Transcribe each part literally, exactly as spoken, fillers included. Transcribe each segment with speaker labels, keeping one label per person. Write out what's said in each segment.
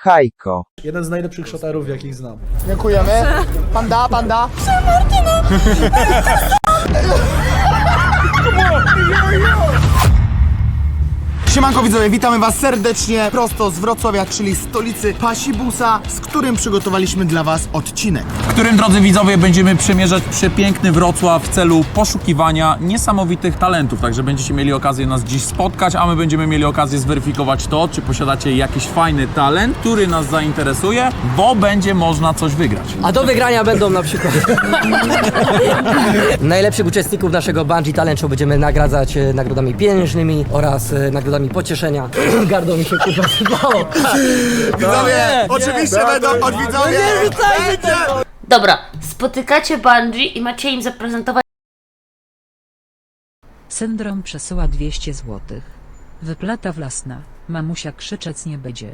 Speaker 1: Hajko.
Speaker 2: Jeden z najlepszych szoterów, jakich znam.
Speaker 3: Dziękujemy. Panda, panda. Siemanko widzowie, witamy was serdecznie prosto z Wrocławia, czyli stolicy Pasibusa, z którym przygotowaliśmy dla was odcinek.
Speaker 4: W którym, drodzy widzowie, będziemy przemierzać przepiękny Wrocław w celu poszukiwania niesamowitych talentów. Także będziecie mieli okazję nas dziś spotkać, a my będziemy mieli okazję zweryfikować to, czy posiadacie jakiś fajny talent, który nas zainteresuje, bo będzie można coś wygrać.
Speaker 5: A do wygrania będą na przykład najlepszych uczestników naszego Bungee Talent Show będziemy nagradzać e, nagrodami pieniężnymi oraz e, nagrodami pocieszenia. Gardło mi się kurwa sypało.
Speaker 3: Widzowie, oczywiście będą od widzowie. Będzie.
Speaker 6: Dobra, spotykacie Bungee i macie im zaprezentować.
Speaker 7: Syndrom przesyła dwieście złotych. Wyplata wlasna. Mamusia krzyczeć nie będzie.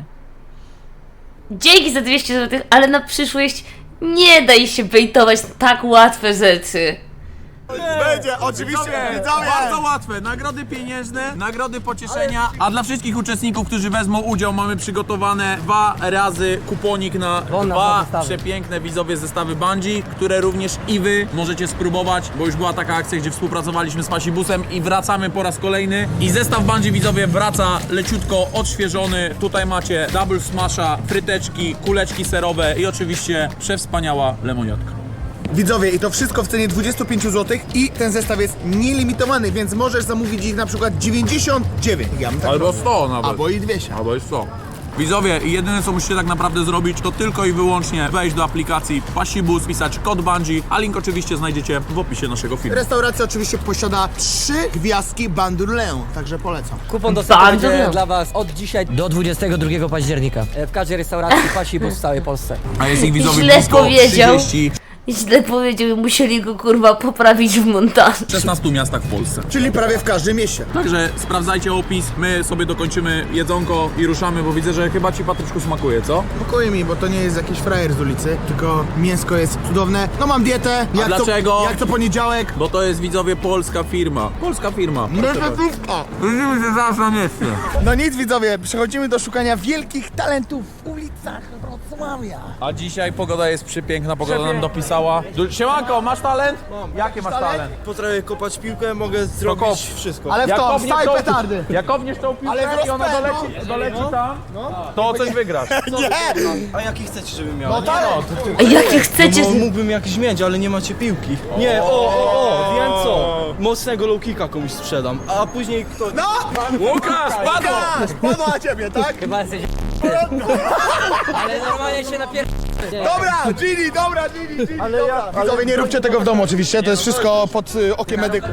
Speaker 6: Dzięki za dwieście złotych, ale na przyszłość nie daj się bejtować na tak łatwe rzeczy.
Speaker 3: Będzie, oczywiście widzowie.
Speaker 4: Bardzo łatwe. Nagrody pieniężne, nagrody pocieszenia. A dla wszystkich uczestników, którzy wezmą udział, mamy przygotowane dwa razy kuponik na
Speaker 5: Won na
Speaker 4: dwa
Speaker 5: dwa zestawy.
Speaker 4: przepiękne widzowie zestawy Bungee, które również i wy możecie spróbować, bo już była taka akcja, gdzie współpracowaliśmy z Pasibusem i wracamy po raz kolejny. I zestaw Bungee, widzowie, wraca leciutko odświeżony. Tutaj macie double smasha, fryteczki, kuleczki serowe i oczywiście przewspaniała lemoniatka.
Speaker 3: Widzowie, i to wszystko w cenie dwadzieścia pięć złotych i ten zestaw jest nielimitowany, więc możesz zamówić ich na przykład dziewięćdziesiąt dziewięć. Ja bym tak
Speaker 4: Albo
Speaker 3: robił.
Speaker 4: sto nawet.
Speaker 3: Albo i dwieście.
Speaker 4: Albo jest sto. Widzowie, jedyne co musicie tak naprawdę zrobić, to tylko i wyłącznie wejść do aplikacji Pasibus, pisać kod Bungee, a link oczywiście znajdziecie w opisie naszego filmu.
Speaker 3: Restauracja oczywiście posiada trzy gwiazdki Bandurlę, także polecam.
Speaker 5: Kupon dostępny
Speaker 6: Bardzo
Speaker 5: będzie
Speaker 6: miło.
Speaker 5: dla was od dzisiaj do dwudziestego drugiego października. E, W każdej restauracji Pasibus w całej Polsce.
Speaker 4: A jest ich widzowie
Speaker 6: Źle
Speaker 4: blisko
Speaker 6: powiedział.
Speaker 4: trzydzieści
Speaker 6: Źle powiedział i musieli go kurwa poprawić w montażu.
Speaker 4: w szesnastu miastach w Polsce.
Speaker 3: Czyli prawie w każdym mieście.
Speaker 4: Także sprawdzajcie opis, my sobie dokończymy jedzonko i ruszamy, bo widzę, że chyba ci, Patryczku, smakuje, co?
Speaker 3: Spokojnie mi, bo to nie jest jakiś frajer z ulicy, tylko mięsko jest cudowne. No mam dietę. Jak
Speaker 4: dlaczego?
Speaker 3: To, jak to poniedziałek.
Speaker 4: Bo to jest, widzowie, polska firma. Polska firma. Widzimy się zaraz na mieście.
Speaker 3: No nic widzowie, przechodzimy do szukania wielkich talentów w ulicach Wrocławia.
Speaker 4: A dzisiaj pogoda jest przepiękna, pogoda nam dopisała. Du- Siemanko, masz talent? Mam. Jaki masz talent?
Speaker 2: Potrafię kopać piłkę, mogę
Speaker 4: kop.
Speaker 2: zrobić wszystko.
Speaker 3: Ale w to,
Speaker 4: kopniesz
Speaker 3: wstaj
Speaker 4: tą-
Speaker 3: petardy.
Speaker 4: Jak kopniesz tą piłkę
Speaker 3: Ale w
Speaker 4: i ona
Speaker 3: rozpęd,
Speaker 4: doleci, doleci tam, to coś wygrasz.
Speaker 3: Nie!
Speaker 2: A jaki chcecie, żebym miał?
Speaker 3: No talent!
Speaker 6: A jakie chcecie?
Speaker 2: No, mógłbym jakiś mieć, ale nie macie piłki. Nie, o, o, o, wiem co. Mocnego low kicka komuś sprzedam, a później kto...
Speaker 3: No!
Speaker 4: Łukasz, padło!
Speaker 3: Spadła na ciebie, tak?
Speaker 5: Chyba jesteś ale normalnie się napier...
Speaker 3: Dobra, Gini, dobra, Gini, Gini, ale dobra. Ja, widzowie, nie róbcie tego w domu oczywiście, to jest wszystko pod y, okiem medyków.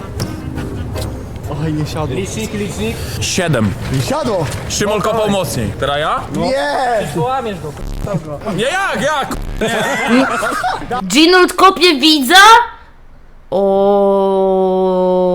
Speaker 2: Oj, nie siadło.
Speaker 4: Licznik, licznik. Siedem.
Speaker 3: Siadło!
Speaker 4: Szymon kopał mocniej. Teraz ja?
Speaker 3: Nie!
Speaker 5: Połamiesz go.
Speaker 4: Nie, jak, jak?
Speaker 6: Ginold kopie widza? O.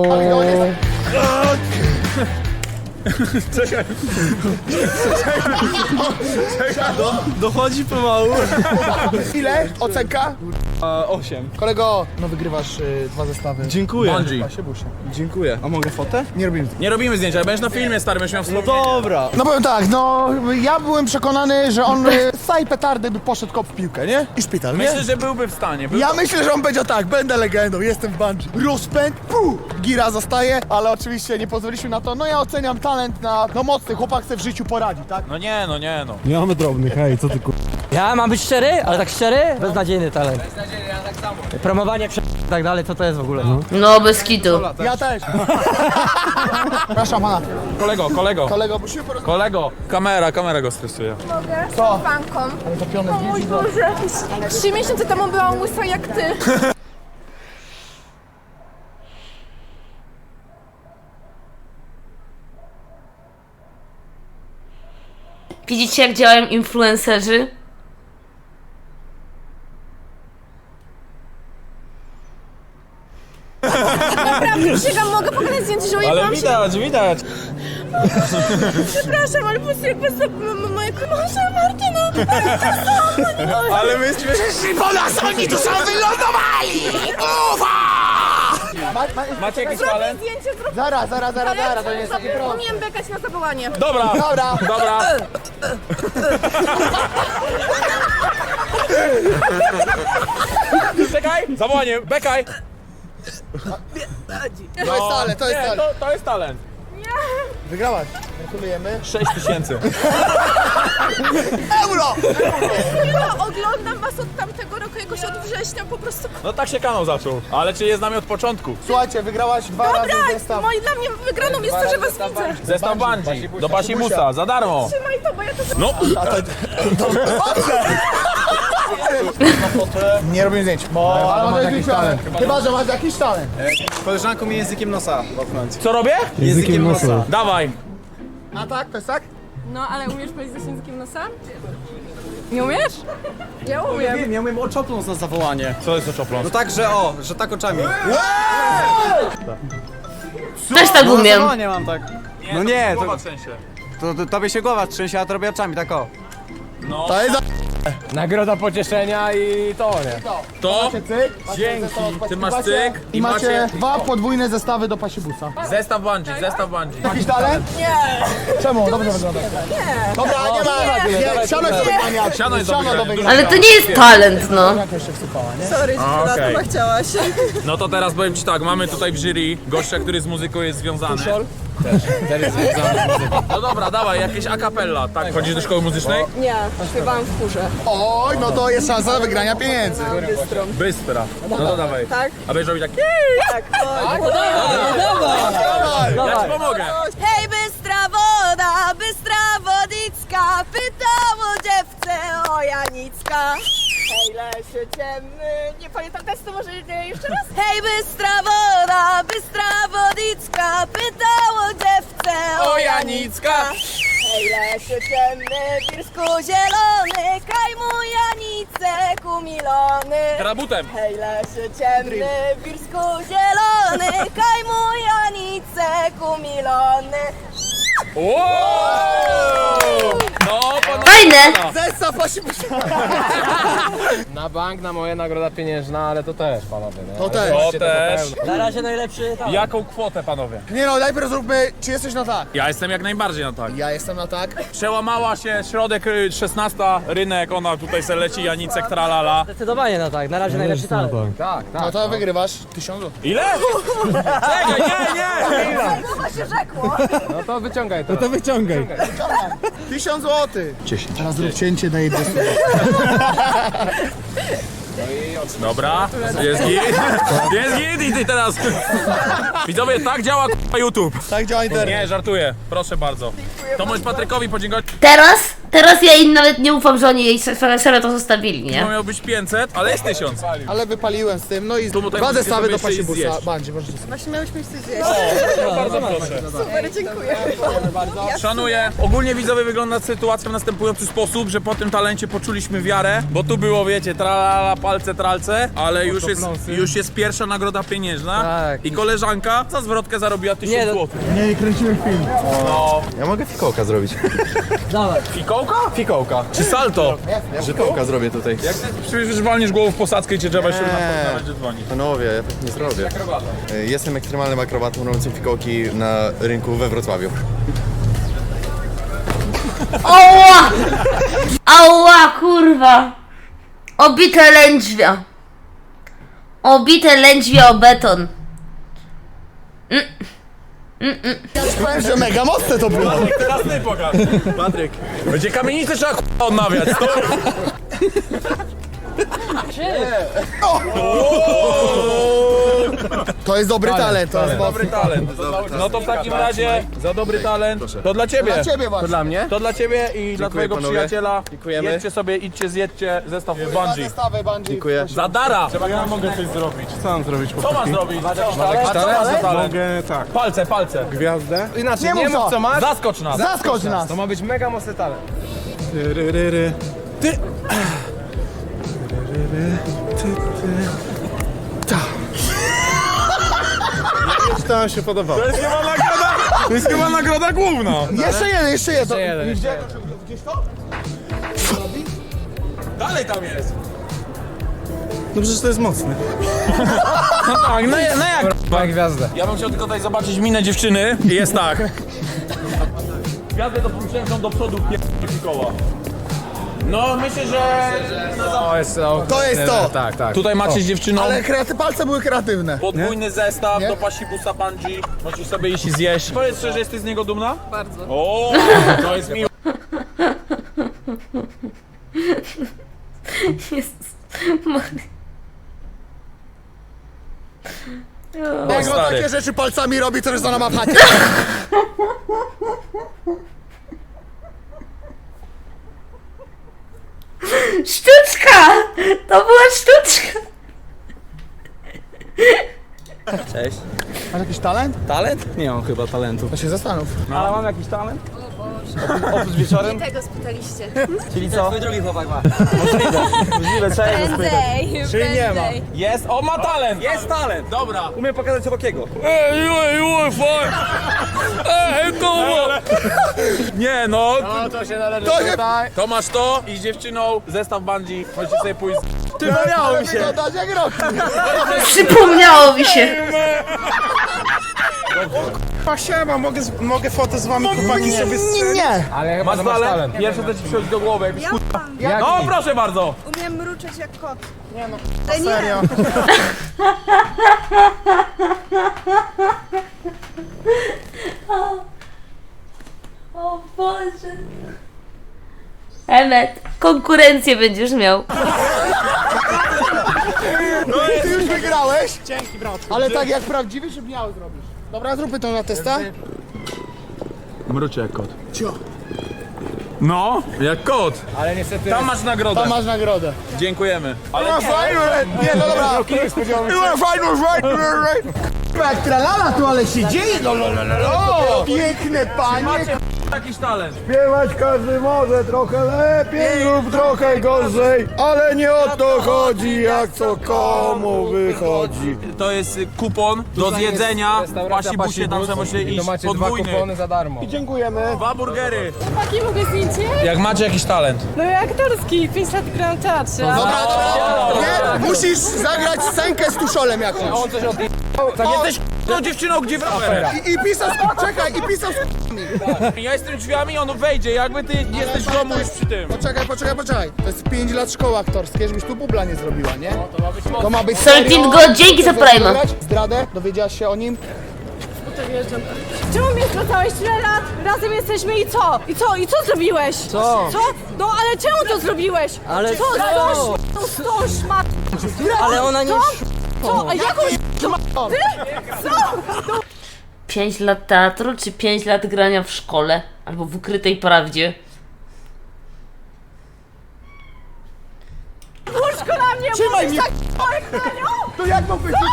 Speaker 2: Dochodzi pomału.
Speaker 3: Ile? Ocenka?
Speaker 2: A, osiem.
Speaker 3: Kolego, no wygrywasz y, dwa zestawy.
Speaker 2: Dziękuję.
Speaker 4: Bungee.
Speaker 2: Dziękuję. A mogę fotę?
Speaker 3: Nie robimy.
Speaker 4: Nie robimy zdjęcia, ale będziesz na filmie, stary, będziesz miał
Speaker 2: No
Speaker 4: wspomnienie.
Speaker 2: dobra.
Speaker 3: No powiem tak, no ja byłem przekonany, że on y, z całej petardy by poszedł kop w piłkę, nie? I szpital, nie?
Speaker 4: Myślę, że byłby w stanie. Był...
Speaker 3: Ja myślę, że on będzie tak, będę legendą, jestem w bungee. Rozpęd, puh, gira zostaje, ale oczywiście nie pozwoliliśmy na to. No ja oceniam talent na, no mocny, chłopak chce w życiu poradzi, tak?
Speaker 4: No nie, no nie, no.
Speaker 2: Nie mamy drobnych, hej, co ty kur...
Speaker 5: Ja mam być szczery, ale tak szczery? Beznadziejny talent. Beznadziejny, ja tak samo. Promowanie prze... i tak dalej, co to jest w ogóle? No.
Speaker 6: No bez kitu.
Speaker 3: Ja też. Przepraszam pana,
Speaker 4: Kolego, kolego,
Speaker 3: kolego, musimy porozmawiać.
Speaker 4: kolego. Kamera, kamera go stresuje.
Speaker 8: Mogę?
Speaker 3: Co?
Speaker 8: Z fanką.
Speaker 3: Zapione
Speaker 8: O mój Boże. Trzy miesiące temu byłam łysa jak ty.
Speaker 6: Widzicie jak działają influencerzy?
Speaker 8: Naprawdę, przysięgam, mogę pokazać zdjęcie, że ujebałam się.
Speaker 4: widać, widać.
Speaker 8: Przepraszam, ale po prostu jak po prostu moja koleżanka Martyna.
Speaker 4: Ale my jesteśmy...
Speaker 3: Po nas oni tu są wylądowali! Ufa! Ma, ma,
Speaker 4: Macie jakiś
Speaker 8: Zrobię
Speaker 4: talent?
Speaker 8: zdjęcie, zrób
Speaker 3: zaraz, zaraz, zaraz, zaraz, to nie jest takie proste.
Speaker 8: Umiem bekać na zawołanie.
Speaker 4: Dobra,
Speaker 3: Dobra.
Speaker 4: dobra. Czekaj, zawołanie, bekaj.
Speaker 3: To jest talent, to jest
Speaker 4: Nie,
Speaker 3: talent.
Speaker 4: to, to jest talent.
Speaker 3: Wygrałaś. Gratulujemy.
Speaker 4: sześć tysięcy.
Speaker 3: Euro!
Speaker 8: No, oglądam was od tamtego roku, jakoś od września po prostu.
Speaker 4: No tak się kanał zaczął. Ale czy jest z nami od początku?
Speaker 3: Słuchajcie, wygrałaś dwa razy
Speaker 8: Dobra,
Speaker 3: zestaw.
Speaker 8: moi dla mnie wygraną jest to, że was widzę.
Speaker 4: Zestaw bungee do Pasibusa, za darmo.
Speaker 8: Trzymaj to, bo ja to
Speaker 4: No,
Speaker 3: Nie robimy zdjęć. Bo ale masz jakiś talent. Chyba, że masz jakiś talent.
Speaker 2: Koleżanką mi językiem nosa popchnąć.
Speaker 4: co robię?
Speaker 2: Językiem nosa.
Speaker 4: Dawaj.
Speaker 3: A tak, to jest tak?
Speaker 8: No, ale umiesz powiedzieć z językiem nosa? Nie umiesz? Ja umiem.
Speaker 2: Wiem, ja umiem oczopląc na zawołanie.
Speaker 4: Co jest to czopląs?
Speaker 2: No tak, że o, że tak oczami.
Speaker 6: Też tak
Speaker 2: No na
Speaker 6: umiem.
Speaker 2: zawołanie mam tak. No nie, to,
Speaker 4: Głowa trzęsie.
Speaker 2: to, to tobie się głowa trzęsie, a to robię oczami, tak o.
Speaker 4: No.
Speaker 3: To jest
Speaker 2: Nagroda pocieszenia i to, nie?
Speaker 4: To
Speaker 3: Macie cyk. macie
Speaker 4: Dzięki.
Speaker 3: zestaw od
Speaker 4: Ty masz
Speaker 3: Pasibusa
Speaker 4: cyk
Speaker 3: I
Speaker 4: i
Speaker 3: macie
Speaker 4: macie-
Speaker 3: dwa podwójne zestawy do Pasibusa.
Speaker 4: zestaw bungee, zestaw bungee.
Speaker 3: Jakiś talent? Nie. Czemu? Dobrze wygląda. Nie. Dobra, nie ma. Nie, siano jest do wygrania.
Speaker 4: Siano jest do
Speaker 3: Siano
Speaker 4: wygrania.
Speaker 3: wygrania.
Speaker 6: Ale to nie jest talent, no.
Speaker 3: Jaka jeszcze wsypała, nie?
Speaker 8: Sorry,
Speaker 4: A, okej.
Speaker 8: okay. chciałaś.
Speaker 4: No to teraz powiem ci tak, mamy tutaj w jury gościa, który z muzyką jest związany. No dobra, dawaj, jakieś a cappella. Tak, chodzisz do szkoły muzycznej?
Speaker 8: Nie, śpiewałam w chórze.
Speaker 3: Oj, no to jest szansa na wygrania pieniędzy.
Speaker 4: Bystra. No to dawaj.
Speaker 8: Tak?
Speaker 4: A będziesz robić tak.
Speaker 8: Tak,
Speaker 4: Ja ci pomogę.
Speaker 1: Hej, bystra woda, bystra wodicka, pytało dziewczę o Janicka.
Speaker 8: Hej, lesie ciemny. Nie pamiętam testu, może jeszcze raz?
Speaker 1: Hej, bystra woda, bystra wodicka, pytało dziewczę
Speaker 4: O Janicka.
Speaker 1: Hej, lesie ciemny, wirsku zielony, kaj mu Janicek umilony.
Speaker 4: Teraz butem.
Speaker 1: Hej, lesie ciemny, wirsku zielony, kaj mu Janicek umilony.
Speaker 4: Wow! No, panowie.
Speaker 6: Fajne.
Speaker 3: Zestaw Pasibusa.
Speaker 2: Na bank, na moje nagroda pieniężna, ale to też, panowie. Nie?
Speaker 3: To też.
Speaker 4: To też.
Speaker 5: Na razie najlepszy talent.
Speaker 4: Jaką kwotę, panowie?
Speaker 3: Nie no, najpierw zróbmy, czy jesteś na tak?
Speaker 4: Ja jestem jak najbardziej na tak.
Speaker 3: Ja jestem na tak.
Speaker 4: Przełamała się środek y, szesnasta, rynek, ona tutaj se leci, Janicek, tralala.
Speaker 5: Zdecydowanie no tak, na razie najlepszy talent.
Speaker 2: Tak, tak.
Speaker 3: No to wygrywasz tysiąc złotych.
Speaker 4: Ile? Czekaj, nie, nie!
Speaker 1: Głowa się rzekło.
Speaker 2: No to wyciągaj to. No to wyciągaj.
Speaker 3: tysiąc złotych. dziesięć. Teraz zrób cięcie, daję dwieście.
Speaker 4: Dobra, jest git, jest git i ty teraz. Widzowie, tak działa k***a YouTube.
Speaker 3: Tak działa internet.
Speaker 4: Nie, żartuję, proszę bardzo. To możesz Patrykowi podziękować,
Speaker 6: Teraz, teraz ja im nawet nie ufam, że oni jej se- serio to zostawili,
Speaker 4: bo
Speaker 6: nie?
Speaker 4: miał być pięćset, ale jest tysiąc.
Speaker 3: Ale wypaliłem z tym, no i
Speaker 4: Tu tutaj
Speaker 3: dwa
Speaker 4: możecie
Speaker 3: zestawy
Speaker 4: sobie
Speaker 3: do
Speaker 4: jeszcze iść
Speaker 3: Pasibusa.
Speaker 4: zjeść.
Speaker 3: Bandzi, możecie sobie.
Speaker 8: Właśnie miałyśmy coś zjeść.
Speaker 4: Bardzo proszę.
Speaker 8: Super, dziękuję.
Speaker 4: Szanuję. Ogólnie widzowie wygląda sytuacja w następujący sposób, że po tym talencie poczuliśmy wiarę, bo tu było, wiecie, tralala, palce, tralce, ale już jest, już jest pierwsza nagroda pieniężna
Speaker 5: Tak.
Speaker 4: i koleżanka za zwrotkę zarobiła
Speaker 5: Nie,
Speaker 4: tysiąc
Speaker 5: no-
Speaker 4: złotych.
Speaker 3: Nie, nie kręcimy film.
Speaker 9: Ja mogę fikołka zrobić.
Speaker 5: Dawaj.
Speaker 4: Fikołka?
Speaker 9: Fikołka.
Speaker 4: Czy salto?
Speaker 9: Fikołka zrobię tutaj.
Speaker 4: Jak ty przecież walniesz głową w posadzkę i cię trzeba się
Speaker 9: Nie.
Speaker 4: na będzie dzwonić.
Speaker 9: Panowie, ja tak nie zrobię. Y, Jestem ekstremalnym akrobatą robiącym fikołki na rynku we Wrocławiu.
Speaker 6: Ała! Ała, kurwa! Obite lędźwia. Obite lędźwia o beton.
Speaker 3: Powiem, że mega mocne to było.
Speaker 4: Teraz ty pokaż. Patryk. Będzie kamienicę trzeba k***a odnawiać. To...
Speaker 3: To jest dobry talent, to jest
Speaker 4: Dobry talent. No to w takim razie za dobry talent to dla ciebie.
Speaker 3: Dla ciebie właśnie.
Speaker 2: Dla mnie?
Speaker 4: To dla ciebie i dla twojego
Speaker 9: panowie.
Speaker 4: przyjaciela.
Speaker 2: Dziękujemy.
Speaker 4: Jedźcie sobie, idźcie, zjedźcie zestaw
Speaker 3: Dwa
Speaker 4: bungee.
Speaker 3: zestawy bungee.
Speaker 9: Dziękuję.
Speaker 4: Za dara!
Speaker 2: Ja mogę coś zrobić. Co mam zrobić?
Speaker 4: Co masz zrobić? A co masz za talent?
Speaker 2: Mogę tak.
Speaker 4: Palce, palce.
Speaker 2: Gwiazdę? Inaczej,
Speaker 3: Nie
Speaker 2: nie,
Speaker 3: mów
Speaker 2: mów
Speaker 3: co.
Speaker 2: co masz.
Speaker 4: Zaskocz nas.
Speaker 3: Zaskocz nas.
Speaker 2: To ma być mega mocny talent. Ry, ry, ry. Ty! Ry, ry, ry. Ty, ty. Ta. To nam się podobało.
Speaker 4: To jest chyba nagroda, to jest chyba nagroda główna.
Speaker 3: Jeszcze jeden, jeszcze jeden.
Speaker 2: jeden,
Speaker 3: Gdzie? Gdzieś to?
Speaker 4: Dalej tam jest.
Speaker 2: No przecież to jest mocne.
Speaker 4: No tak, no, no jak? Jak gwiazdę. Ja bym chciał tylko tutaj zobaczyć minę dziewczyny. I jest tak. Gwiazdę to przężą do przodu pierdolę koła. No myślę, że...
Speaker 3: To jest to. To jest to.
Speaker 4: Tak, tak. Tutaj macie z dziewczyną
Speaker 3: Ale kreaty, palce były kreatywne.
Speaker 4: podwójny zestaw
Speaker 3: Nie?
Speaker 4: do pasibusa bungee. Możesz sobie iść i zjeść. Powiedz szczerze, jesteś z niego dumna?
Speaker 8: Bardzo.
Speaker 4: O, to jest miło.
Speaker 6: Jezus Maria.
Speaker 3: Jak on
Speaker 4: stary.
Speaker 3: takie rzeczy palcami robi, to już ona ma w chacie.
Speaker 6: Sztuczka! To była sztuczka!
Speaker 2: Cześć.
Speaker 3: Masz jakiś talent?
Speaker 2: Talent? Nie mam chyba talentu.
Speaker 3: To się zastanów.
Speaker 2: Ale mam jakiś talent? Oprócz wieczorem?
Speaker 1: Tego spytaliście.
Speaker 2: Czyli co?
Speaker 5: Twój drugi chłopak ma.
Speaker 2: Możliwe. Możliwe, trzeba je zapytać.
Speaker 1: Prędzej,
Speaker 2: Czyli nie ma.
Speaker 1: prędzej.
Speaker 4: Jest, o ma talent!
Speaker 2: Jest talent!
Speaker 4: Dobra.
Speaker 2: Umiem pokazać Sobokiego.
Speaker 4: Ej, ej, ej, faj! Ej, koło! Nie no,
Speaker 3: To się należy tutaj.
Speaker 4: to masz to i z dziewczyną zestaw bungee. Możecie sobie pójść.
Speaker 2: Przypomniało mi się.
Speaker 3: Wyglądać jak rok.
Speaker 6: Przypomniało mi się!
Speaker 2: Siema, mogę, mogę fotę z wami, chłopaki, sobie strzelić?
Speaker 3: Nie.
Speaker 4: Ale masz talent. Pierwsze co ci przychodzi do głowy. Jak
Speaker 1: Ja
Speaker 4: No proszę bardzo.
Speaker 1: umiem mruczeć jak kot.
Speaker 3: Nie no,
Speaker 1: Ale nie.
Speaker 3: serio.
Speaker 6: O Boże. Emet, konkurencję będziesz miał.
Speaker 3: Ty już wygrałeś. Dzięki, brat. Ale tak jak prawdziwy, żeby miało zrobisz. Dobra, zróbmy to na testa.
Speaker 4: Mrucie jak kot. No, jak kot. Ale niestety. Tam masz nagrodę.
Speaker 3: Tam masz nagrodę.
Speaker 4: Dziękujemy. Ale
Speaker 3: Była fajna, nie no dobra. Była fajna, fajna, fajna. Jak tralala tu, ale się dzieje. No, no, no, no, no. Piękne panie.
Speaker 4: macie jakiś talent.
Speaker 3: Śpiewać każdy może trochę lepiej lub trochę gorzej, ale nie o to chodzi, jak co komu wychodzi.
Speaker 4: To jest y, kupon do zjedzenia w pasibusie, tam sobie możecie iść podwójny.
Speaker 3: za darmo. I dziękujemy.
Speaker 4: Dwa burgery.
Speaker 8: Chłopaki, mogę zdjęcie?
Speaker 4: Jak macie jakiś talent.
Speaker 8: No i aktorski, pięć lat gram w teatrze.
Speaker 3: Dobra, dobra, nie, musisz zagrać scenkę z tuszolem jakąś. On coś od...
Speaker 4: Tak jesteś tą dziewczyną, gdzie w rowerze.
Speaker 3: I, I pisał z... czekaj, i pisał z...
Speaker 4: Ja jestem drzwiami, on wejdzie, jakby ty jesteś w domu już przy tym.
Speaker 3: Poczekaj, poczekaj, poczekaj. To jest pięć lat szkoły aktorskiej, żebyś tu bubla nie zrobiła, nie? No, to ma być mocno. To ma być
Speaker 6: Soltin go, dzięki za
Speaker 3: Chcesz
Speaker 6: Prime'a.
Speaker 3: zagrać? Zdradę? Dowiedziałaś się o nim?
Speaker 8: Czemu mnie sprawdzałeś tyle lat? Razem jesteśmy i co? I co? I co zrobiłeś?
Speaker 5: Co?
Speaker 8: Co? No ale czemu to zrobiłeś?
Speaker 5: Ale
Speaker 8: co?
Speaker 5: co?
Speaker 8: Co? Z tą szmat...
Speaker 5: Ale ona nie...
Speaker 8: Co? A jaką szmatą? Ty? Co?
Speaker 6: Pięć lat teatru, czy pięć lat grania w szkole? Albo w ukrytej prawdzie?
Speaker 8: Łóżko na mnie!
Speaker 3: Trzymaj mnie!
Speaker 8: Tak jak na nią?
Speaker 3: To jak mam być?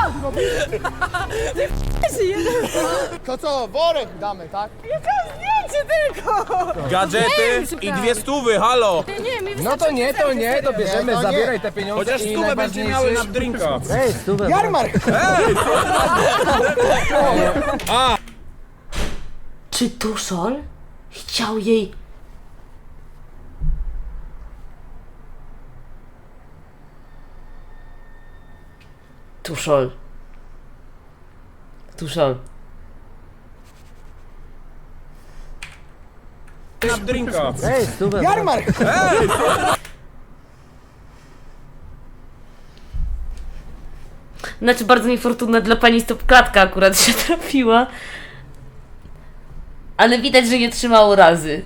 Speaker 3: To co, worek damy, tak?
Speaker 8: Jakie zdjęcie tylko!
Speaker 4: Gadżety i dwie stówy, halo.
Speaker 8: Nie, nie, mi
Speaker 10: No to nie, to nie, to bierzemy,
Speaker 3: Nie, to nie.
Speaker 10: zabieraj te pieniądze.
Speaker 4: Chociaż
Speaker 10: i
Speaker 4: stówę będzie miały na drinka.
Speaker 5: Ej, stówę.
Speaker 3: Jarmark!
Speaker 6: Czy Tuszol chciał jej... Tuszol. Tuszol.
Speaker 4: Na drinka.
Speaker 5: Ej, stówę.
Speaker 3: Jarmark!
Speaker 6: Znaczy bardzo niefortunna dla pani stopklatka akurat się trafiła. Ale widać, że nie trzymało razy.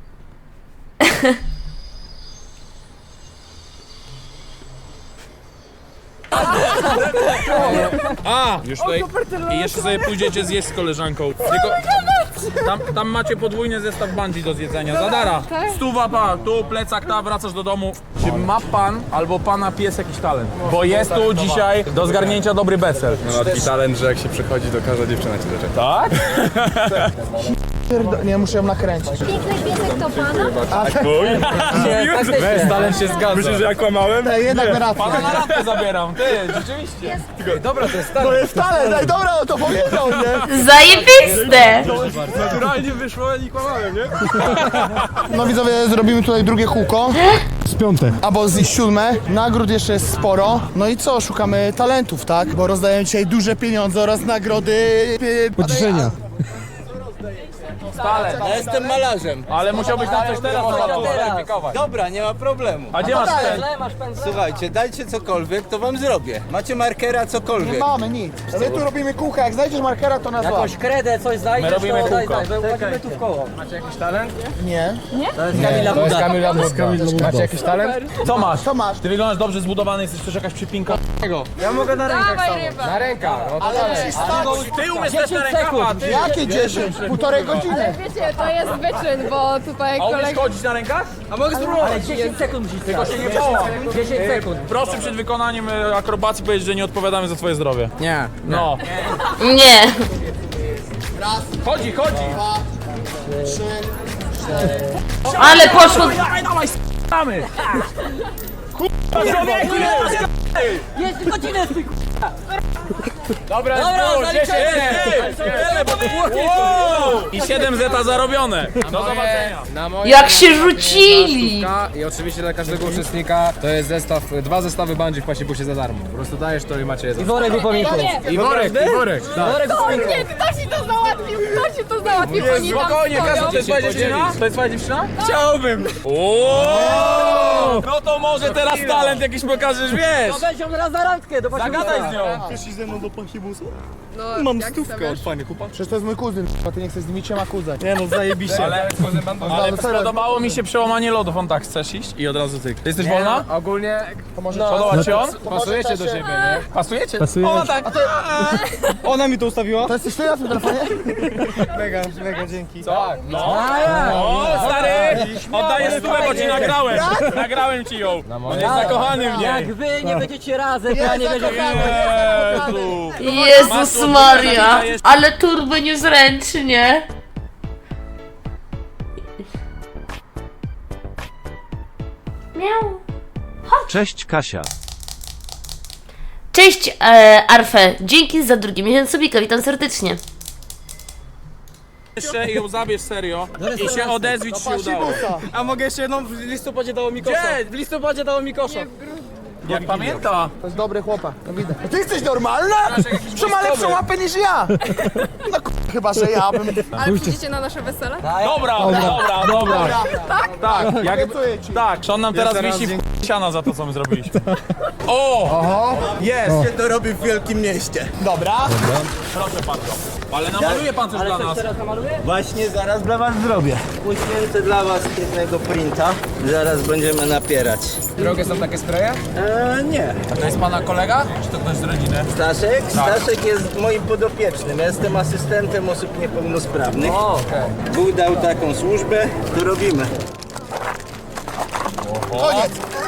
Speaker 4: A, już tutaj. I jeszcze sobie pójdziecie zjeść z koleżanką. Tylko tam, tam macie podwójny zestaw bungee do zjedzenia. Zadara. Stuwa pa, tu plecak ta, wracasz do domu. Czy ma pan albo pana pies jakiś talent? Bo jest tu dzisiaj do zgarnięcia dobry becel.
Speaker 9: Ma taki talent, że jak się przychodzi, to każda dziewczyna cię zaczeka.
Speaker 4: Tak?
Speaker 3: Pierdo- Nie, muszę ją nakręcić.
Speaker 8: Piękny piesek to pana?
Speaker 10: Weź, talent się zgadza.
Speaker 4: Myślisz, że ja kłamałem?
Speaker 3: Ej, jednak na rację.
Speaker 4: Pana na randkę zabieram, ty, rzeczywiście.
Speaker 10: Dobra, to jest
Speaker 3: To
Speaker 10: talent.
Speaker 3: jest talent, ej, dobra, no to powiedział, nie?
Speaker 6: Zajebiste!
Speaker 4: Naturalnie wyszło, ja nie kłamałem, nie?
Speaker 3: No widzowie, zrobimy tutaj drugie kółko. z piąte. Albo z siódme. Nagród jeszcze jest sporo. No i co? Szukamy talentów, tak? Bo rozdają dzisiaj duże pieniądze oraz nagrody... Pocieszenia.
Speaker 4: Talent.
Speaker 2: Ja jestem malarzem.
Speaker 4: Ale musiałbyś nam coś teraz zakwalifikować.
Speaker 2: Dobra, nie ma problemu.
Speaker 4: A gdzie masz ten?
Speaker 2: Słuchajcie, dajcie cokolwiek, to wam zrobię. Macie markera,
Speaker 3: Nie
Speaker 2: cokolwiek.
Speaker 3: mamy nic. My tu robimy kółka. Jak znajdziesz markera, to nas złap.
Speaker 5: Jakąś kredę, coś znajdziesz,
Speaker 4: My robimy
Speaker 5: to daj,
Speaker 4: kółko.
Speaker 5: daj, wyłazimy tu w koło.
Speaker 3: Nie.
Speaker 5: To jest Kamila Buda.
Speaker 10: Kamila Buda. Macie jakiś talent?
Speaker 4: Co masz?
Speaker 3: Co masz?
Speaker 4: Ty wyglądasz dobrze zbudowany, jesteś też jakaś przypinka.
Speaker 10: Ja mogę na rękach
Speaker 8: Dawaj
Speaker 10: stanąć.
Speaker 8: ryba.
Speaker 10: Na rękach, no to
Speaker 3: Ale
Speaker 10: dalej.
Speaker 3: musisz stać.
Speaker 4: Ty umiesz też na
Speaker 5: dziesięć
Speaker 4: rękawa,
Speaker 5: sekund.
Speaker 4: ty!
Speaker 3: Jakie dziesięć? Półtorej godziny.
Speaker 8: Wiecie, to jest wyczyn, bo tutaj
Speaker 4: A umiesz
Speaker 8: kolega...
Speaker 4: chodzić na rękach?
Speaker 2: A mogę spróbować?
Speaker 5: Ale dziesięć sekund musisz
Speaker 4: Tylko się nie połam.
Speaker 5: dziesięć sekund.
Speaker 4: Proszę przed wykonaniem e, akrobacji powiedzieć, że nie odpowiadamy za twoje zdrowie.
Speaker 10: Nie.
Speaker 4: No.
Speaker 6: Nie.
Speaker 4: Chodzi, chodzi!
Speaker 6: Ale poszło...
Speaker 4: Dawaj, dawaj, s***amy! Kurwa, człowieku!
Speaker 5: Jest godzinę, ty
Speaker 4: Dobra,
Speaker 5: Dobra,
Speaker 4: spójrz,
Speaker 5: zaliczamy.
Speaker 4: dziesięć! Wow! I siedem zeta zarobione. Do zobaczenia.
Speaker 10: Na moje,
Speaker 6: Jak się rzucili!
Speaker 10: stówka I oczywiście dla każdego uczestnika to jest zestaw, dwa zestawy bungee w pasibusie za darmo. Po prostu dajesz to i macie je za
Speaker 5: I worek upominków.
Speaker 10: I worek, i worek. Tak.
Speaker 5: Worek upominków.
Speaker 8: Nie, kto ci to załatwił? Kto ci to załatwił? Oni tam
Speaker 4: Spokojnie,
Speaker 8: stoją.
Speaker 4: Kasia, to jest twoja dziewczyna? To jest twoja dziewczyna? Chciałbym. No to może teraz talent jakiś pokażesz, wiesz?
Speaker 5: To będzie on raz na randkę do
Speaker 4: Zagadaj z nią.
Speaker 3: Chcesz ze mną do pasibusu?
Speaker 8: No,
Speaker 3: Mam
Speaker 8: jak
Speaker 3: stówkę
Speaker 8: chcesz.
Speaker 3: od fajnych chłopaków. Przecież to jest mój kuzyn, a ty nie chcesz z nimi trzema kuzać.
Speaker 2: Nie no, zajebiście.
Speaker 4: Ale, ale
Speaker 3: No, serio.
Speaker 4: spodobało mi się przełamanie lodów, on tak, chcesz iść? I od razu ty. Ty jesteś wolna?
Speaker 10: Ogólnie
Speaker 3: To może
Speaker 4: Podoba ci on?
Speaker 10: pasujecie do siebie, nie?
Speaker 4: Pasujecie? Ona tak.
Speaker 2: Ona mi to ustawiła?
Speaker 3: To jesteś ty na tym telefonie?
Speaker 2: Mega, mega, dzięki.
Speaker 4: Tak, no. O, stary! Oddaję stówę, bo ci nagrałem. Nagrałem ci ją. On jest zakochany w niej.
Speaker 5: Jak wy nie będziecie razem, to ja nie będę
Speaker 4: Jezu.
Speaker 6: Jezus Maria! Ale turbo niezręcznie. Miau.
Speaker 11: Cześć Kasia.
Speaker 6: Cześć e, Arfe, dzięki za drugi miesiąc subika, witam serdecznie.
Speaker 4: Jeszcze ją zabierz serio i się odezwij, czy się udało.
Speaker 2: A mogę jeszcze jedną? W listopadzie dało mi kosza.
Speaker 4: Gdzie?
Speaker 2: W listopadzie dało mi kosza.
Speaker 4: Jak pamięta.
Speaker 3: To jest dobry chłopak, no widać. Ty jesteś normalna? Że ma lepszą łapę niż ja. No k***, chyba, że ja bym...
Speaker 8: Ale przyjdziecie na nasze wesele?
Speaker 4: Dobra, dobra, dobra. Tak? Tak, jak,
Speaker 3: Obiecuję ci.
Speaker 4: tak. On nam teraz
Speaker 2: zaraz
Speaker 4: wisi w siana za to, co my zrobiliśmy. O!
Speaker 2: Jest, się to robi w wielkim mieście.
Speaker 3: Dobra.
Speaker 4: Proszę bardzo. Ale namaluje pan coś dla nas.
Speaker 5: teraz namaluję?
Speaker 2: Właśnie zaraz dla was zrobię. Uświęcę dla was jednego printa. Zaraz będziemy napierać.
Speaker 10: Drogie są takie spreje?
Speaker 2: Eee, nie.
Speaker 4: A to jest pana kolega? Czy to ktoś z rodziny?
Speaker 2: Staszek? Staszek jest moim podopiecznym. Ja jestem asystentem osób niepełnosprawnych.
Speaker 5: O,
Speaker 2: Bóg dał taką służbę, to robimy.
Speaker 3: Koniec.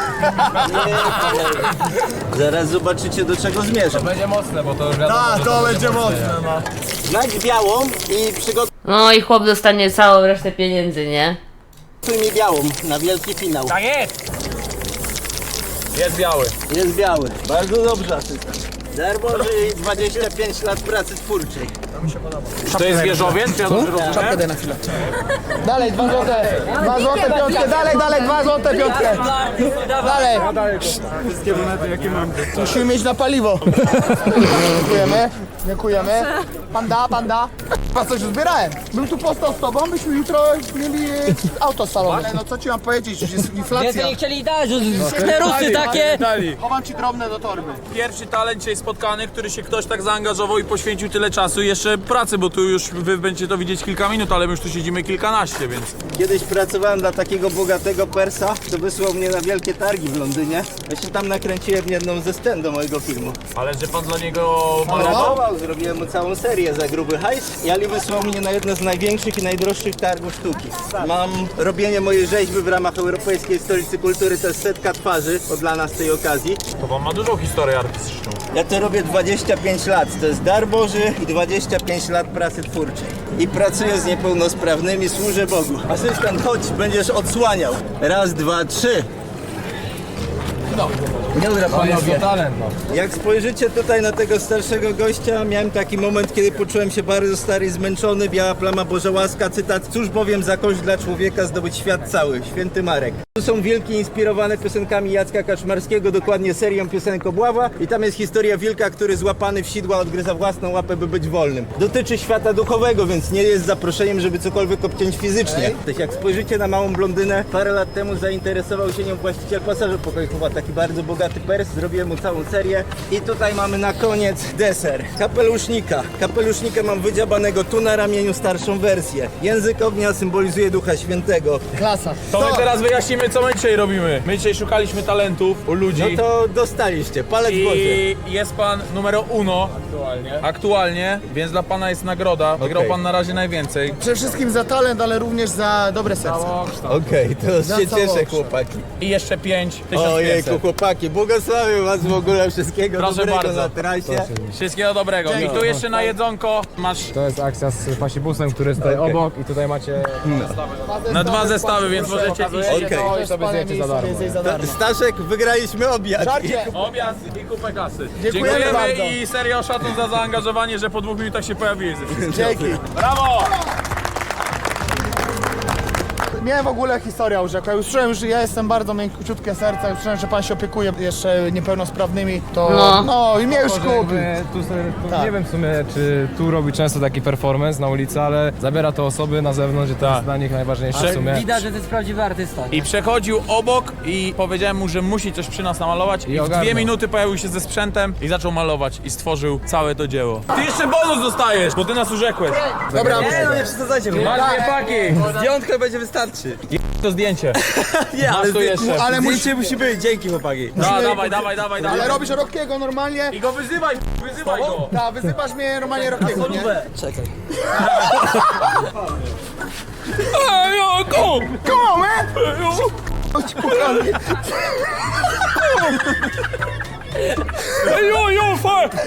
Speaker 2: Zaraz zobaczycie, do czego zmierzam.
Speaker 10: Będzie mocne, bo to już wiadomo.
Speaker 3: A, to będzie mocne, no.
Speaker 2: Znajdź białą i przygotuj
Speaker 6: No i chłop dostanie całą resztę pieniędzy, nie?
Speaker 2: mi białą na wielki finał.
Speaker 4: Tak jest! Jest biały.
Speaker 2: Jest biały. Bardzo dobrze, asystent. Darboży i dwadzieścia pięć lat pracy twórczej.
Speaker 4: Czy to jest wieżowiec? Czy ja dobrze rozumiem?
Speaker 3: Czapkę daj na chwilę. Dalej, dwa złote. Dwa złote, piątkę. Dalej, dalej, dwa złote, piątkę. Dalej.
Speaker 2: Wszystkie monety, jakie mam.
Speaker 3: Musimy mieć na paliwo. Dziękujemy. Dziękujemy. Panda, panda. Chyba coś zbierałem. Bym tu postał z tobą, byśmy jutro mieli e, auto salowe. Ale no co ci mam powiedzieć, już jest inflacja.
Speaker 5: Więcej nie chcieli dać, że sklerusy takie.
Speaker 3: Chowam ci drobne do torby.
Speaker 4: Pierwszy talent dzisiaj spotkany, który się ktoś tak zaangażował i poświęcił tyle czasu i jeszcze pracy, bo tu już wy będziecie to widzieć kilka minut, ale my już tu siedzimy kilkanaście, więc...
Speaker 2: Kiedyś pracowałem dla takiego bogatego Persa, to wysłał mnie na wielkie targi w Londynie. Ja się tam nakręciłem jedną ze scen do mojego filmu.
Speaker 4: Ale że pan dla niego malował?
Speaker 2: Malował, zrobiłem mu całą serię za gruby hajs i Ali wysłał mnie na jedno z największych i najdroższych targów sztuki. Mam robienie mojej rzeźby w ramach Europejskiej Stolicy Kultury, to jest setka twarzy odlana z tej okazji.
Speaker 4: To pan ma dużą historię artystyczną.
Speaker 2: Ja to robię dwadzieścia pięć lat, to jest dar Boży i dwadzieścia pięć lat pracy twórczej. I pracuję z niepełnosprawnymi, służę Bogu. Asystent, chodź, będziesz odsłaniał. Raz, dwa, trzy. No, dobra panowie.
Speaker 10: Talent, no.
Speaker 2: Jak spojrzycie tutaj na tego starszego gościa, miałem taki moment, kiedy poczułem się bardzo stary i zmęczony. Biała plama, Boża łaska, cytat. Cóż bowiem za kość dla człowieka zdobyć świat cały. Święty Marek. Tu są wilki inspirowane piosenkami Jacka Kaczmarskiego, dokładnie serią piosenek Obława. I tam jest historia wilka, który złapany w sidła odgryza własną łapę, by być wolnym. Dotyczy świata duchowego, więc nie jest zaproszeniem, żeby cokolwiek obciąć fizycznie. Ej. Jak spojrzycie na małą blondynę, parę lat temu zainteresował się nią właściciel pasażer pokojowa, taki bardzo bogaty Pers, zrobiłem mu całą serię. I tutaj mamy na koniec deser. Kapelusznika. Kapelusznika mam wydziabanego tu na ramieniu, starszą wersję. Język ognia symbolizuje Ducha Świętego.
Speaker 3: Klasa.
Speaker 4: To my teraz wyjaśnimy, co my dzisiaj robimy. My dzisiaj szukaliśmy talentów u ludzi.
Speaker 2: No to dostaliście, palec Boży.
Speaker 4: I jest pan numero uno aktualnie. aktualnie, więc dla pana jest nagroda. Wygrał
Speaker 2: Okej.
Speaker 4: pan na razie najwięcej.
Speaker 3: Przede wszystkim za talent, ale również za dobre serce.
Speaker 2: Okej, to
Speaker 3: Za
Speaker 2: się cieszę,
Speaker 3: całokształt.
Speaker 2: chłopaki.
Speaker 4: I jeszcze pięć, tysiąc
Speaker 2: Ojejku,
Speaker 4: pięćset.
Speaker 2: chłopaki, błogosławię was w ogóle, wszystkiego
Speaker 4: Proszę
Speaker 2: dobrego
Speaker 4: bardzo.
Speaker 2: na trasie.
Speaker 4: Wszystkiego dobrego. I tu jeszcze na jedzonko masz
Speaker 10: To jest akcja z pasibusem, który jest tutaj
Speaker 2: Okej.
Speaker 10: obok i tutaj macie...
Speaker 4: na dwa zestawy, więc możecie iść.
Speaker 2: Okej.
Speaker 3: To jest
Speaker 10: sobie
Speaker 3: palenie
Speaker 10: zjecie
Speaker 3: i
Speaker 10: za darmo.
Speaker 3: sobie zjeść za darmo.
Speaker 2: Staszek, wygraliśmy obiad.
Speaker 3: Żarcie!
Speaker 4: Objazd i kupę kasy.
Speaker 3: Dziękujemy bardzo.
Speaker 4: i serio szacun za zaangażowanie, że po dwóch minutach się pojawiłeś ze wszystkim.
Speaker 3: Dzięki.
Speaker 4: Brawo!
Speaker 3: Miałem w ogóle historię o rzeku. Ja już czułem, że ja jestem bardzo miękciutkie serca. Już czułem, że pan się opiekuje jeszcze niepełnosprawnymi. To
Speaker 6: No.
Speaker 3: no i mnie już kupi.
Speaker 10: Jakby tu sobie, tu
Speaker 3: Tak.
Speaker 10: Nie wiem w sumie, czy tu robi często taki performance na ulicy, ale zabiera to osoby na zewnątrz i to jest dla nich najważniejsze w sumie.
Speaker 5: Widać, że to jest prawdziwy artysta.
Speaker 4: I przechodził obok i powiedziałem mu, że musi coś przy nas namalować. I,
Speaker 10: I
Speaker 4: w
Speaker 10: ogarnął.
Speaker 4: dwie minuty pojawił się ze sprzętem i zaczął malować i stworzył całe to dzieło. Ty jeszcze bonus dostajesz, bo ty nas urzekłeś.
Speaker 3: Dobra,
Speaker 2: Nie, no nie przesadzajcie.
Speaker 4: Masz dwie paki.
Speaker 2: Zdjątkę będzie wystarczy.
Speaker 4: To zdjęcie.
Speaker 2: Nie,
Speaker 4: Masz tu jeszcze.
Speaker 3: ale musi,
Speaker 2: Zdjęcie musi być, dzięki chłopaki.
Speaker 4: Da, dawaj, dawaj, dawaj, dawaj.
Speaker 3: ale robisz Rockiego normalnie.
Speaker 4: I go wyzywaj, wyzywaj go.
Speaker 3: Tak, wyzywasz mnie normalnie Rockiego, nie?
Speaker 5: Czekaj.
Speaker 4: Ej, o, go!
Speaker 3: Come on, man! Chodź, kochany.
Speaker 4: Ej, yo, yo, fuck!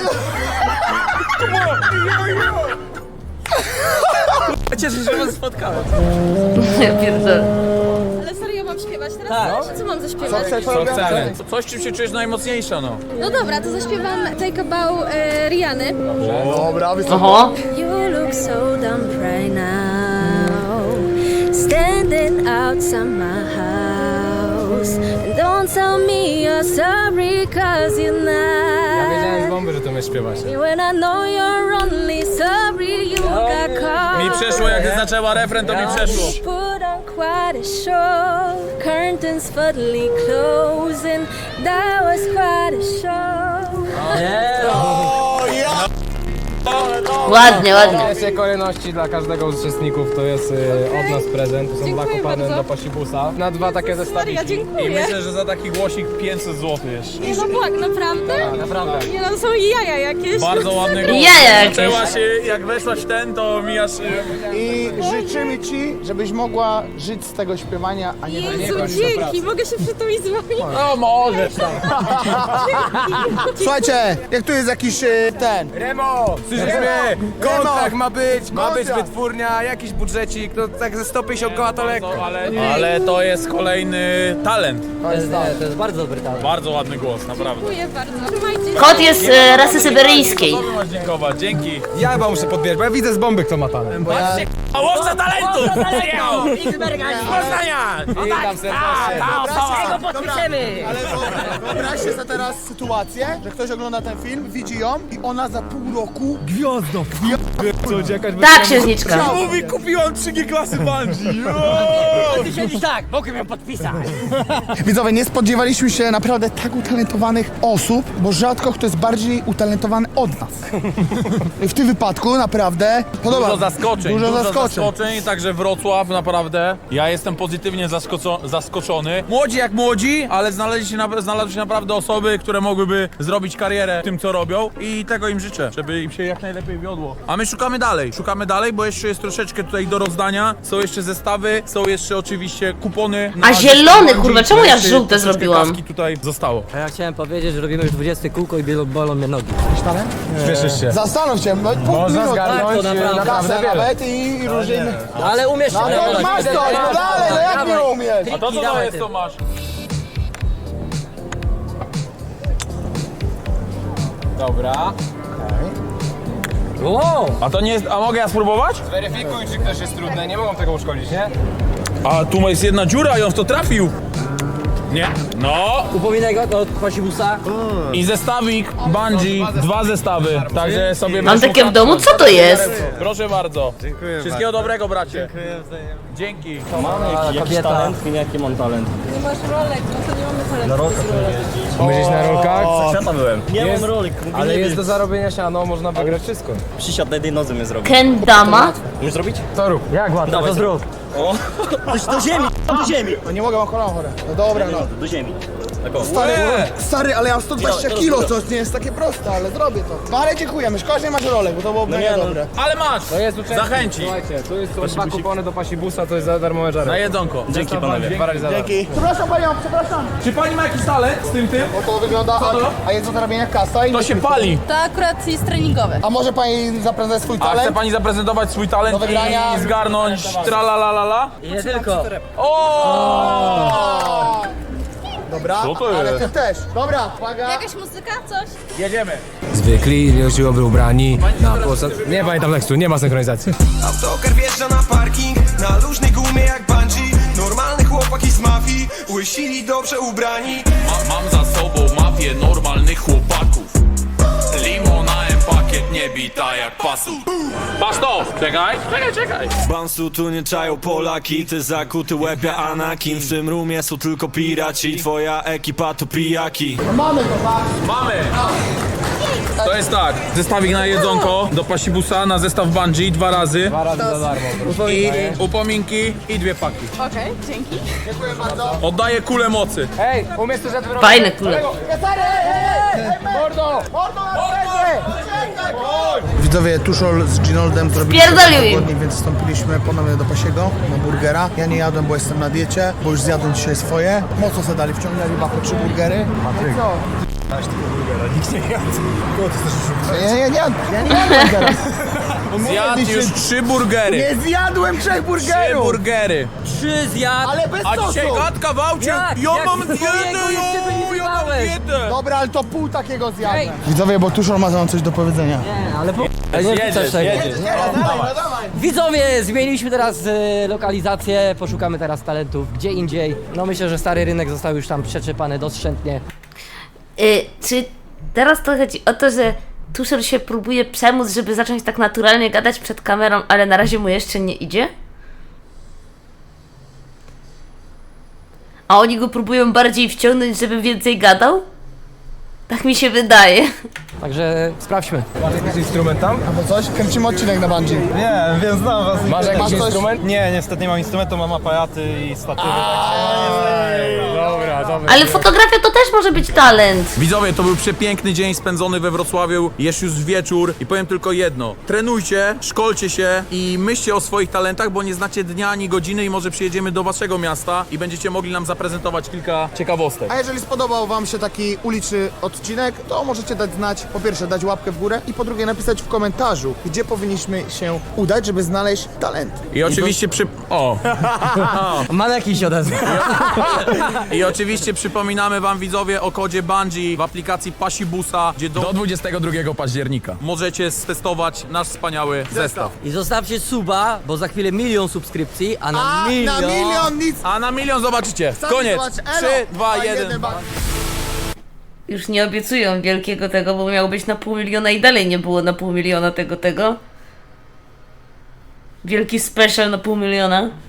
Speaker 2: Cieszę się, że was spotkałem.
Speaker 6: Ja pierdolę.
Speaker 1: Ale serio mam śpiewać teraz? Co mam zaśpiewać?
Speaker 3: Co chcesz?
Speaker 4: Co chcemy? Coś, czym się czujesz najmocniejsza, no.
Speaker 1: No dobra, to zaśpiewam Take a Bow e, Riany.
Speaker 3: Dobra, wysoko.
Speaker 6: Oho.
Speaker 1: You look so dumb right now, standing outside my house. And don't tell me you're sorry cause you're
Speaker 10: Ja wiedziałem z
Speaker 1: not.
Speaker 10: bomby, że to my śpiewasz.
Speaker 1: When I know you're only sorry you got caught.
Speaker 4: Mi przeszło, jak zaczęła refren, to mi przeszło.
Speaker 1: Put on quite a show, curtains suddenly closing. That was quite a show.
Speaker 6: Ładnie, ładnie.
Speaker 10: W pierwszej kolejności dla każdego z uczestników to jest y, od nas prezent. To są dwa
Speaker 1: Dziękuję
Speaker 10: kopany
Speaker 1: bardzo.
Speaker 10: do pasibusa. Na dwa takie
Speaker 1: Maria,
Speaker 10: zestawiki.
Speaker 4: I
Speaker 1: dziękuję.
Speaker 4: myślę, że za taki głosik pięćset złotych jeszcze.
Speaker 1: Nie no błag, naprawdę?
Speaker 10: Naprawdę.
Speaker 1: Nie no, są jaja jakieś.
Speaker 4: Bardzo ładny głos.
Speaker 6: Jaja jakieś.
Speaker 4: Zaczęła się, jak weszłaś w ten, to mijasz...
Speaker 3: I życzymy ci, żebyś mogła żyć z tego śpiewania, a nie
Speaker 1: Jezu, dzięki, mogę się przytulić z wami?
Speaker 4: No możesz tam.
Speaker 3: Słuchajcie, jak tu jest jakiś e, ten.
Speaker 10: Remo! Słyszysz
Speaker 3: Remo!
Speaker 10: mnie? Kontrakt
Speaker 3: Remo!
Speaker 10: ma być, ma być
Speaker 3: Kontrakt!
Speaker 10: wytwórnia, jakiś budżecik, no tak ze sto pięćdziesiąt koła to lekko.
Speaker 4: Ale, ale to jest kolejny talent.
Speaker 5: To jest, nie, to jest bardzo dobry talent.
Speaker 4: Bardzo ładny głos, naprawdę.
Speaker 1: Dziękuję bardzo. Trzymajcie się.
Speaker 6: Kot jest e, rasy syberyjskiej.
Speaker 4: Tobie masz dziękować, dzięki.
Speaker 10: Ja chyba muszę podbierać, bo ja widzę z bomby kto ma talent.
Speaker 4: A łowca talentu! Przyjechał! Z Poznania!
Speaker 10: Witam serdecznie.
Speaker 3: Ale wyobraź- wyobraźcie sobie teraz sytuację, że ktoś ogląda ten film, widzi ją i ona za pół roku gwiazdą.
Speaker 10: Coś, jakaś
Speaker 6: Tak, księżniczka.
Speaker 4: Mówi, kupiłam trzy G klasy bungee!
Speaker 5: Ty siedzisz tak, mogę ją podpisać.
Speaker 3: Widzowie, nie spodziewaliśmy się naprawdę tak utalentowanych osób, bo rzadko kto jest bardziej utalentowany od nas. I w tym wypadku naprawdę podoba.
Speaker 4: Dużo zaskoczeń,
Speaker 3: Dużo,
Speaker 4: dużo
Speaker 3: zaskoczeń.
Speaker 4: zaskoczeń, także Wrocław naprawdę. Ja jestem pozytywnie zaskoco- zaskoczony. Młodzi jak młodzi, ale znaleźli się, na- znalazły się naprawdę osoby, które mogłyby zrobić karierę w tym, co robią i tego im życzę, żeby im się jak najlepiej wiodło. A my szukamy dalej, szukamy dalej, bo jeszcze jest troszeczkę tutaj do rozdania. Są jeszcze zestawy, są jeszcze oczywiście kupony.
Speaker 6: A zielony, kurwa,
Speaker 4: Bandzi,
Speaker 6: czemu ja
Speaker 4: jeszcze
Speaker 6: żółte
Speaker 4: troszeczkę
Speaker 6: zrobiłam?
Speaker 4: kaski tutaj zostało.
Speaker 5: A ja chciałem powiedzieć, że robimy już dwudzieste kółko i bielo- bolą mnie nogi.
Speaker 10: Śmieszysz się.
Speaker 3: Zastanów się, no, pół
Speaker 10: Można
Speaker 3: minuty.
Speaker 10: zgarnąć
Speaker 5: Tak, to naprawdę.
Speaker 10: naprawdę
Speaker 3: Kasę
Speaker 10: wiele.
Speaker 3: nawet i, i różnie.
Speaker 5: Ale umiesz się
Speaker 3: No to
Speaker 5: nagrać.
Speaker 3: masz to, no dalej, no jak nie umiesz?
Speaker 4: A to co to
Speaker 5: dawaj
Speaker 4: jest,
Speaker 5: ty.
Speaker 4: co masz?
Speaker 10: Dobra.
Speaker 5: Wow!
Speaker 4: A to nie jest, a mogę ja spróbować?
Speaker 10: Weryfikuj, czy ktoś jest trudny, nie mogą tego uszkodzić, nie?
Speaker 4: A tu jest jedna dziura i on w to trafił. Nie. No.
Speaker 5: Upominek od, od pasibusa.
Speaker 4: I zestawik bungee, dwa zestawy. Także sobie
Speaker 6: Mam
Speaker 4: weź
Speaker 6: takie w
Speaker 4: mu-
Speaker 6: domu? Co to jest?
Speaker 4: Proszę bardzo. Dziękuję. Wszystkiego dobrego, bracie. Dziękuję wzajemnie. Dzięki.
Speaker 5: Kobieta.
Speaker 2: Jaki mam talent?
Speaker 8: Nie masz rolek, no to nie mamy talentu. Na rolkach
Speaker 10: Myślisz na rolkach?
Speaker 2: Świata byłem. Nie
Speaker 10: Jest-
Speaker 2: mam rolik.
Speaker 10: Ale jest do zarobienia siano, można wygrać wszystko.
Speaker 2: Przysiad na jednej nodze mnie zrobił.
Speaker 6: Kendama?
Speaker 2: Możesz zrobić?
Speaker 10: To rób.
Speaker 5: Jak łatwo, to zrób.
Speaker 2: O, do ziemi, do ziemi.
Speaker 3: No nie mogę, mam kolano chore. No dobra, no.
Speaker 2: Do ziemi.
Speaker 3: Stary, stary, ale ja mam sto dwadzieścia kilo, to nie jest takie proste, ale zrobię to. No ale dziękujemy, szkoda, że nie masz rolek, bo to było mega dobre.
Speaker 4: Ale masz!
Speaker 10: To jest uczestnik.
Speaker 4: Zachęci.
Speaker 10: Słuchajcie, tu jest, są dwa kupony do pasibusa, to jest za darmowe żary.
Speaker 4: Na jedzonko.
Speaker 2: Dzięki panowie.
Speaker 10: Dwa razy za darmo.
Speaker 3: Dzięki. Przepraszam panią, przepraszam.
Speaker 4: Czy pani ma jakiś talent z tym tym?
Speaker 3: Bo to wygląda, a,
Speaker 4: to?
Speaker 3: a jest do zarabiania kasa i...
Speaker 4: To się pali.
Speaker 8: To akurat jest treningowe.
Speaker 3: A może pani zaprezentować swój
Speaker 4: A chce
Speaker 3: talent?
Speaker 4: pani zaprezentować swój talent
Speaker 3: Do wygrania.
Speaker 4: i zgarnąć tralalalala?
Speaker 5: I nie tylko.
Speaker 4: O!
Speaker 3: Dobra,
Speaker 4: Co to
Speaker 3: ale
Speaker 4: jest?
Speaker 3: ty też. Dobra, uwaga.
Speaker 8: Jakaś muzyka? Coś?
Speaker 4: Jedziemy.
Speaker 10: Zwykli, nieuczciwowy ubrani na posad... Nie pamiętam tekstu, nie ma synchronizacji.
Speaker 12: Autokar wjeżdża na parking, na luźnej gumie jak bungee. Normalne chłopaki z mafii, łysili dobrze ubrani.
Speaker 4: Ma, mam za sobą mafię normalnych chłopaków. Limonałem pakiet nie bita jak pasu. Patrz to! Czekaj, czekaj, czekaj.
Speaker 12: Bansu tu nie czają Polaki, ty zakuty łeb jak Anakin. W tym roomie są tylko piraci, twoja ekipa to pijaki.
Speaker 3: Mamy to, tak?
Speaker 4: Mamy! To jest tak, zestawik na jedzonko do pasibusa, na zestaw bungee dwa razy.
Speaker 10: Dwa razy za darmo.
Speaker 4: I upominki i dwie paki.
Speaker 8: Okej, dzięki.
Speaker 3: Dziękuję bardzo.
Speaker 4: Oddaję kulę mocy.
Speaker 10: Hej, umiesz to rzeczy
Speaker 6: Fajne kule.
Speaker 3: Stary, ej, ej, ej, mordo! Mordo, Widzowie, Tuszol z Ginoldem zrobili
Speaker 6: Spierdolił im.
Speaker 3: tygodni, więc wstąpiliśmy ponownie do Pasiego na burgera. Ja nie jadłem, bo jestem na diecie, bo już zjadłem dzisiaj swoje. Mocno se dali, wciągnęli chyba po trzy burgery. Patryk. Co? Ja, ja, ja, ja nie jadłem teraz.
Speaker 4: Zjadł już trzy burgery.
Speaker 3: Nie zjadłem trzech
Speaker 4: Trzy
Speaker 3: burgerów!
Speaker 4: burgery.
Speaker 5: Trzy zjadł.
Speaker 3: Ale bez
Speaker 4: A
Speaker 3: sosu!
Speaker 4: dzisiaj gadka wałcie.
Speaker 5: Jak?
Speaker 4: Ja
Speaker 5: Jak
Speaker 4: mam
Speaker 5: swojego
Speaker 4: dietę,
Speaker 5: jeszcze
Speaker 4: jo, ja mam
Speaker 5: wylizywałeś?
Speaker 4: dietę.
Speaker 3: Dobra, ale to pół takiego zjadłem. Widzowie, bo Tuszol ma wam coś do powiedzenia.
Speaker 5: Nie, ale po... Ale nie
Speaker 4: Jedziesz,
Speaker 5: coś tego.
Speaker 4: jedziesz.
Speaker 5: Widzowie, zmieniliśmy teraz e, lokalizację, poszukamy teraz talentów gdzie indziej. No myślę, że stary rynek został już tam przeczepany doszczętnie.
Speaker 6: Y, czy teraz to chodzi o to, że Tuszel się próbuje przemóc, żeby zacząć tak naturalnie gadać przed kamerą, ale na razie mu jeszcze nie idzie? A oni go próbują bardziej wciągnąć, żeby więcej gadał? Tak mi się wydaje.
Speaker 5: Także sprawdźmy.
Speaker 10: Masz jakiś instrument tam?
Speaker 3: Albo coś? Kręcimy odcinek na bungee.
Speaker 9: Nie, więc znam was.
Speaker 10: Masz jakiś
Speaker 3: Masz coś?
Speaker 10: instrument?
Speaker 9: Nie, niestety nie mam instrumentu, mam aparaty i statywy.
Speaker 10: Dobra, dobra.
Speaker 6: Ale fotografia to też może być talent.
Speaker 4: Widzowie, to był przepiękny dzień spędzony we Wrocławiu, jest już wieczór i powiem tylko jedno. Trenujcie, szkolcie się i myślcie o swoich talentach, bo nie znacie dnia ani godziny i może przyjedziemy do waszego miasta i będziecie mogli nam zaprezentować kilka ciekawostek.
Speaker 3: A jeżeli spodobał wam się taki uliczny odcinek, to możecie dać znać, po pierwsze dać łapkę w górę i po drugie napisać w komentarzu, gdzie powinniśmy się udać, żeby znaleźć talent.
Speaker 4: I oczywiście przy... O!
Speaker 5: Maneki się odezwał.
Speaker 4: I oczywiście przypominamy wam widzowie o kodzie Bungee w aplikacji Pasibusa, gdzie do, do dwudziestego drugiego października możecie stestować nasz wspaniały zestaw.
Speaker 5: I zostawcie suba, bo za chwilę milion subskrypcji, a na
Speaker 3: A
Speaker 5: milion...
Speaker 3: na milion nic!
Speaker 4: A na milion zobaczycie.
Speaker 3: Sami
Speaker 4: Koniec.
Speaker 3: zobacz, elo!
Speaker 4: trzy, dwa,
Speaker 3: A
Speaker 4: jeden.
Speaker 3: ba-
Speaker 6: Już nie obiecują wielkiego tego, bo miało być na pół miliona i dalej nie było na pół miliona tego tego. Wielki special na pół miliona.